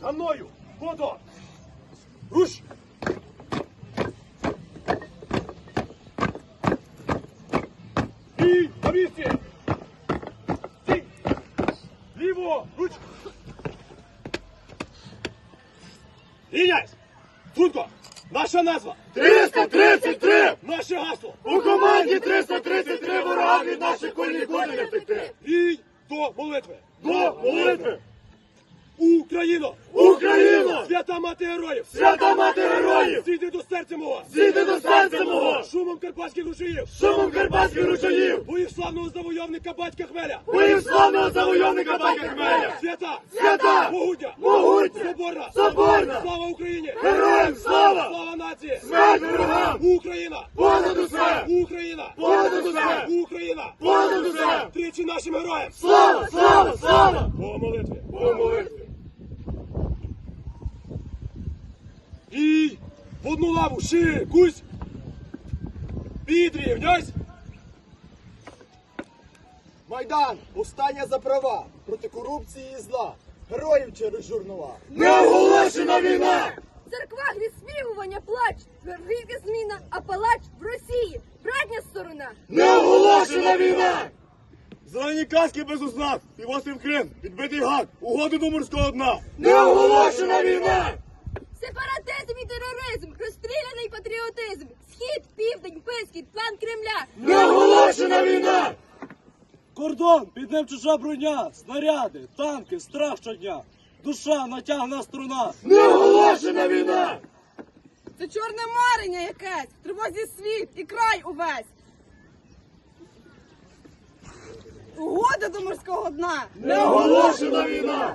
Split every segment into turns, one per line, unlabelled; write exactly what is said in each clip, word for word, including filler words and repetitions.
За мною! Фото! Руш! І на місці! Стій! Ліво! Руч! Рівняйсь! Чутко! Наша назва!
триста тридцять три!
Наше гасло!
У команді триста тридцять три ворога від наших куль нікуди не втекти!
Бій до молитви!
До молитви!
Україно!
Україно!
Свята мати героїв!
Свята мати героїв!
Зійди до серця мого!
Зійди до серця мого!
Шумом карпатських рушіїв!
Шумом карпатських ручаїв!
Боїв славного завойовника батька Хмеля!
Боїв славного завойовника батька Хмеля!
Свята!
Свята!
Могутня!
Могутня!
Соборна!
Соборна!
Слава Україні!
Героям слава!
Слава нації!
Смерть ворогам!
Україна!
Понад усе!
Україна!
Понад усе!
Україна!
Понад усе!
Тричі нашим героям!
Слава! Слава! Слава!
По молитві!
По молитві!
І в одну лаву шикусь! Підрівняйсь!
Майдан! Повстання за права! Проти корупції і зла! Героїв через журнала!
Неоголошена війна!
В церквах відспівування плач, верхівка зміна, а палач в Росії, братня сторона.
Неоголошена війна!
Зелені каски без ознак! Півострів Крим! Підбитий гад! Угоди до морського дна!
Неоголошена війна!
Сепаратизм і тероризм, розстріляний патріотизм, схід, південь, безхід, план Кремля.
Неоголошена війна!
Кордон, під ним чужа броня, снаряди, танки, страх щодня. Душа натягна струна.
Неоголошена війна!
Це чорне марення якесь, в тривозі світ і край увесь. Угода до морського дна.
Неоголошена війна!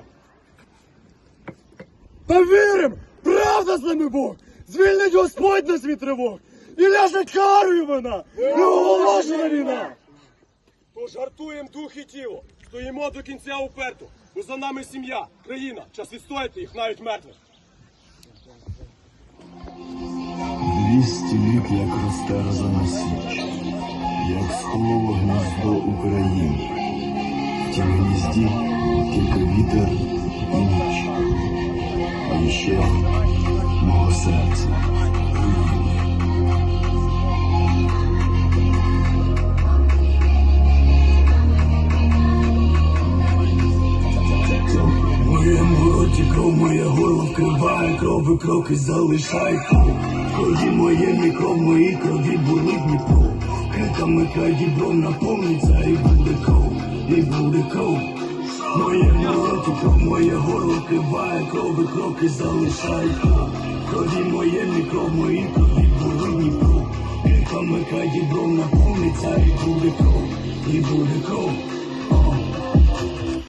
Та вірим! Правда з нами Бог! Звільнить Господь нас від тривог! І ляже карою вона!
Неоголошена війна!
Тож гартуєм дух і тіло, стоїмо до кінця уперто, бо за нами сім'я, країна, час відстояти їх навіть мертвих.
Двісті літ, як розтерзана січ, як схололо гніздо України. В тім гнізді тільки вітер і ніч, а іще мого серця руїни.
Моє роті кров, моє горло вкриває, кров і кроки залишай кров. В крові моєму кров, моїй крові болить Дніпро. Криками край дібром наповниться і буде кров, і буде кров. Моє роті кров, моє горло вкриває, кров і кроки залишай кров. В крові моєму кров, моїй крові болить Дніпро. Криками край дібром наповниться і буде кров, і буде кров.